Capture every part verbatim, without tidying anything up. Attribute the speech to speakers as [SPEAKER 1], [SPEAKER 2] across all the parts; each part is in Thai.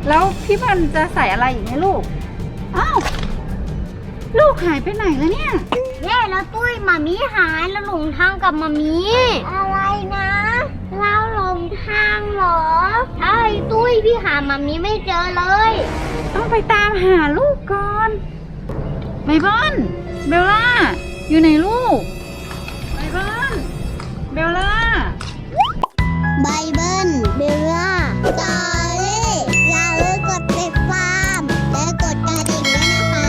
[SPEAKER 1] แล้วพี่บอลจะใส่อะไรอีกไหมลูกอ้าวลูกหายไปไหนแล้วเนี่ย
[SPEAKER 2] แย่แล้วตุ้ยมามีหายแล้วหลงทางกับมามีอะไรนะเราหลงทางเหรอใช่ตุ้ยพี่หามามีไม่เจอเลย
[SPEAKER 1] ต้องไปตามหาลูกก่อนไบเบิลเบลล่าอยู่ไหนลูกไบเบิลเบลล่า
[SPEAKER 2] ไบเบิลเบลล่าจอรี่อย่าลืมกดติดตามและกดกระดิ่งด้วยนะคะ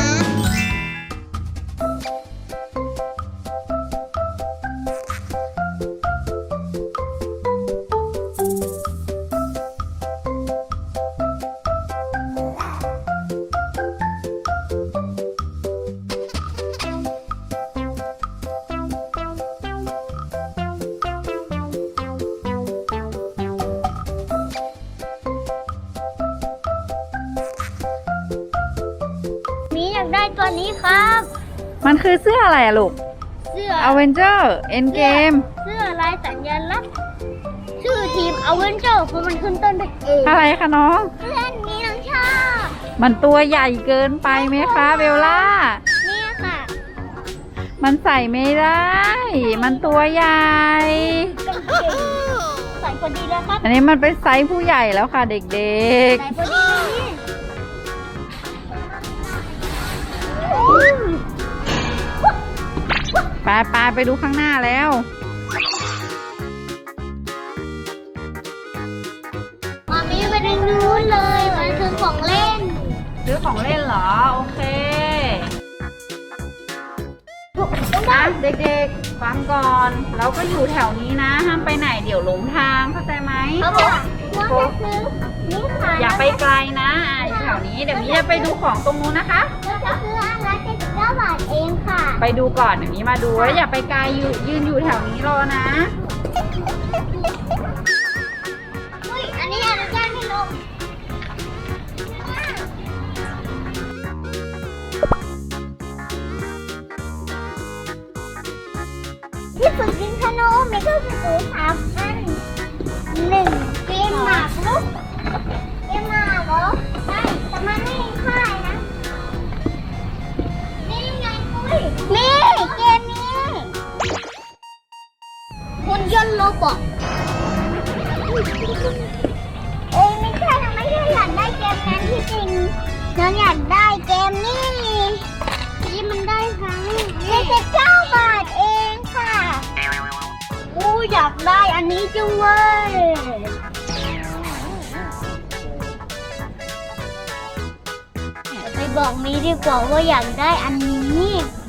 [SPEAKER 2] มีอยากได้ตัวนี้ครับ
[SPEAKER 1] มันคือเสื้ออะไรอะลูก
[SPEAKER 2] เสื้อ
[SPEAKER 1] Avenger Endgame
[SPEAKER 2] เสื้อลายสัญลักษณ์ชื่อทีมอเวนเจอร์เพราะมันขึ้นต้นด้วยเอ
[SPEAKER 1] อะไรคะน้อง
[SPEAKER 2] เพื่อนนี้น้องชอบ
[SPEAKER 1] มันตัวใหญ่เกินไปไหมคะเบลล่า
[SPEAKER 2] เนี่ยค่ะ
[SPEAKER 1] มันใส่ไม่ได้ มันตัวใหญ่
[SPEAKER 2] กางเกงใส่พอดีแล้วครับ
[SPEAKER 1] อันนี้มันเป็นไซส์ผู้ใหญ่แล้วค่ะเด็ก
[SPEAKER 2] ใส่พอดีนี่
[SPEAKER 1] ๆ ไปไปไปดูข้างหน้าแล้ว
[SPEAKER 2] มามีไปทางนู้นเลยมันคือของเล่น
[SPEAKER 1] ซื้อของเล่นเหรอ โอเคอ่ะเด็กๆฟังก่อน เราก็อยู่แถวนี้นะ ห้ามไปไหนเดี๋ยวหลงทางเข้าใจไหม
[SPEAKER 2] เขาบอกว่าจะซื้อนี่ค่ะ
[SPEAKER 1] อย่าไปไกลนะอ่ะอยู่แถวนี้เดี๋ยวนี้จะไปดูของตรงนู้นนะคะ
[SPEAKER 2] เราจะซื้ออันละเจ็ดสิบเก้าบาทเองค่ะ
[SPEAKER 1] ไปดูก่อนเดี๋ยวนี้มาดูแล้วอย่าไปไกลอยู่ยืนอยู่แถวนี้รอนะ
[SPEAKER 2] อุ้ยอันนี้อนุญาตให้ลงที่ฝึกยิงธนูมีเครื่องกระสุนสามอันหนึ่งเกมหมากรุกเกมหมากเหรอใช่แต่มันไม่มีค่ายนะนี่ไงปุ้ยนี่เกมนี้หุ่นยนต์โรบอทเอ้ยไม่ใช่เราไม่ได้อยากได้เกมนั้นที่จริงเราอยากได้เกมนี้ที่มันได้ทั้งเจ็ดสิบเก้าบาทเองค่ะอู้อยากได้อันนี้จังเว้ยไปบอกมีดีกว่าว่าอยากได้อันนี้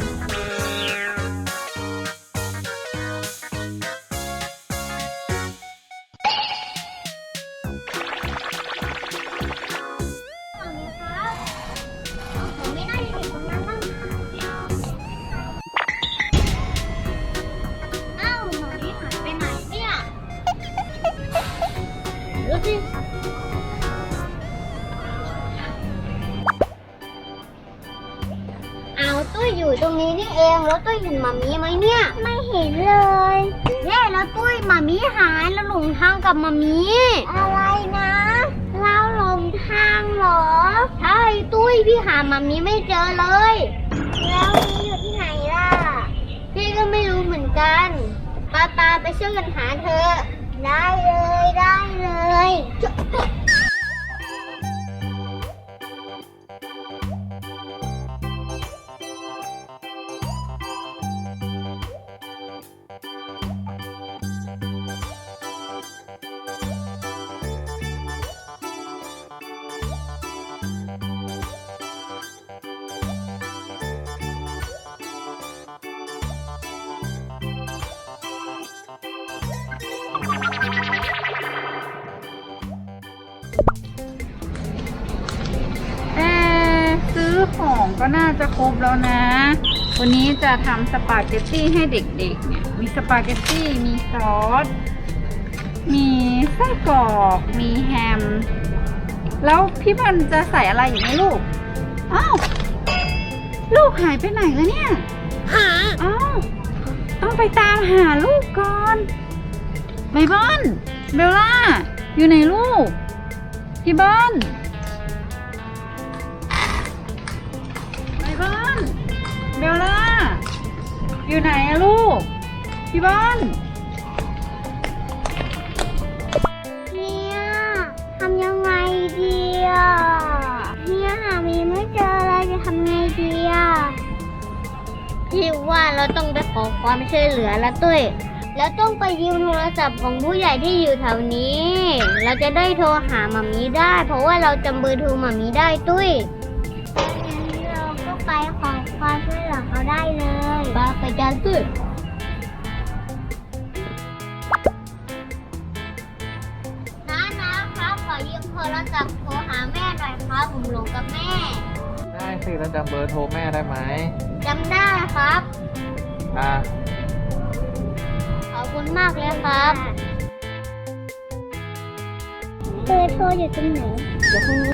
[SPEAKER 2] ผมไม่น่าจะเห็นตรงนั้นบ้างอ้าวหมอนี่หายไปไหนเนี่ยดูสิเอาตุ้ยอยู่ตรงนี้นี่เองแล้วตุ้ยเห็นหมามีไหมเนี่ยไม่เห็นเลยแย่แล้วตุ้ยหมามีหายแล้วหลงทางกับหมามีอะไรนะเราหลงทางเหรอใช่ตุ้ยพี่หาหมามีไม่เจอเลยแล้วมีอยู่ที่ไหนล่ะพี่ก็ไม่รู้เหมือนกันปาปาไปช่วยกันหาเธอได้เลยได้เลย
[SPEAKER 1] เอ๊ะซื้อของก็น่าจะครบแล้วนะ วันนี้จะทำสปาเกตตี้ให้เด็กๆเนี่ยมีสปาเกตตี้มีซอสมีไส้กรอกมีแฮมแล้วพี่บอลจะใส่อะไรอีกไหมลูกอ้าวลูกหายไปไหนแล้วเนี่ยหาอ้าวต้องไปตามหาลูกก่อนไบเบิลเบลล่าอยู่ไหนลูกพี่บอลบลล่าอยู่ไหนอะลูกพี่บอล
[SPEAKER 2] เนี่ยทำยังไงดีอ่ะเนี่ยหามีไม่เจอเลยจะทำไงดีอ่ะพี่ว่าเราต้องไปขอความช่วยเหลือแล้วตุ้ยแล้วต้องไปยืมโทรศัพท์ของผู้ใหญ่ที่อยู่แถวนี้ เราจะได้โทรหาหมามีได้ เพราะว่าเราจำเบอร์โทรหมามีได้ตุ้ยงั้นเราก็ไปขอความช่วยเหลือเขาได้เลยไปไปกันตุ้ยน้านะครับขอยืมโทรศัพท์โทรหาแม่หน่อยครับผมหลงกับแม่
[SPEAKER 3] ได้สิแล้วจำเบอร์โทรแม่ได้ไหม
[SPEAKER 2] จำได้ครับ
[SPEAKER 3] อ่า
[SPEAKER 2] ขอบคุณมากเลยครับเบอร์โทรอยู่ตรงไหนเดี๋ยวคุณ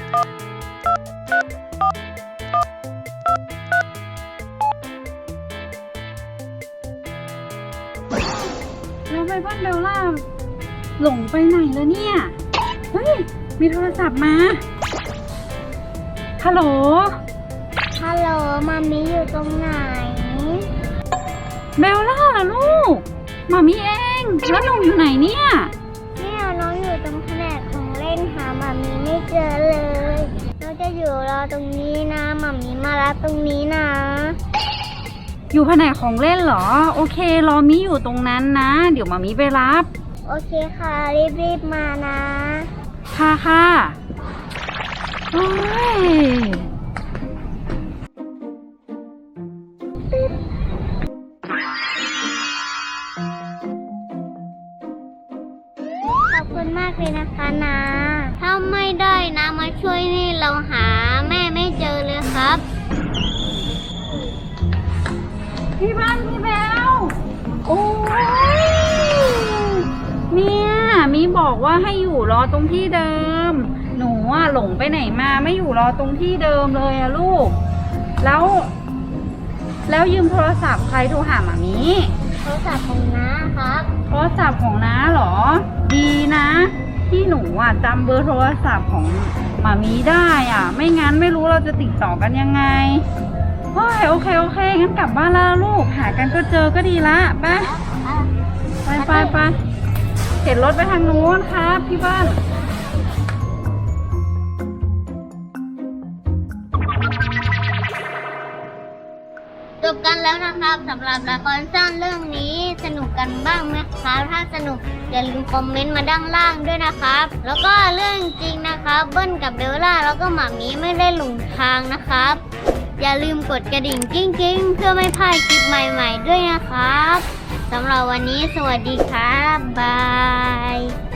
[SPEAKER 1] แล้วไปบ้านเบลล่าหลงไปไหนแล้วเนี่ยเฮ้ยมีโทรศัพท์มาฮัลโหล
[SPEAKER 2] ฮัลโหลมามีอยู่ตรงไหน
[SPEAKER 1] เบลล่าเหรอลูกหมามีเองแล้วหนูอยู่ไหนเนี่ย
[SPEAKER 2] เนี่ยน้องอยู่ตรงแผนกของเล่นหามามีไม่เจอเลยเราจะอยู่รอตรงนี้นะมามีมารับตรงนี้นะ
[SPEAKER 1] อยู่แผนกของเล่นเหรอโอเครอมิอยู่ตรงนั้นนะ เดี๋ยวหมามีไปรับ
[SPEAKER 2] โอเคค่ะรีบๆมานะ
[SPEAKER 1] ค่ะค่ะโอ้ย
[SPEAKER 2] ขอบคุณมากเลยนะคะนะถ้าไม่ได้นะมาช่วยนี่เราหาแม่ไม่เจอเลยครับ
[SPEAKER 1] พี่บ้านพี่แบลโอ้ยเนี่ยมีบอกว่าให้อยู่รอตรงที่เดิม หนูอ่ะหลงไปไหนมาไม่อยู่รอตรงที่เดิมเลยอะลูก แล้ว แล้วยืมโทรศัพท์ใครโทรหาหมามี
[SPEAKER 2] โทรศัพท์ของน้าครับ
[SPEAKER 1] โทรศัพท์ของน้าเหรอ ดีนะ ที่หนูอ่ะจำเบอร์โทรศัพท์ของหมามีได้อ่ะ ไม่งั้นไม่รู้เราจะติดต่อกันยังไงโอ้ยโอเคโอเคงั้นกลับบ้านแล้วลูกหากันก็เจอก็ดีละไปไปไปไปเข็นรถไปทางนู้นครับพี่บ้าน
[SPEAKER 2] จบกันแล้วนะครับสำหรับละครสั้นเรื่องนี้สนุกกันบ้างไหมครับถ้าสนุกอย่าลืมคอมเมนต์มาด้านล่างด้วยนะครับ แล้วก็เรื่องจริงนะครับเบิ้ลกับเบลล่าแล้วก็หมามีไม่ได้หลงทางนะครับ อย่าลืมกดกระดิ่งกิ้งๆเพื่อไม่พลาดคลิปใหม่ๆด้วยนะครับสำหรับวันนี้สวัสดีครับบาย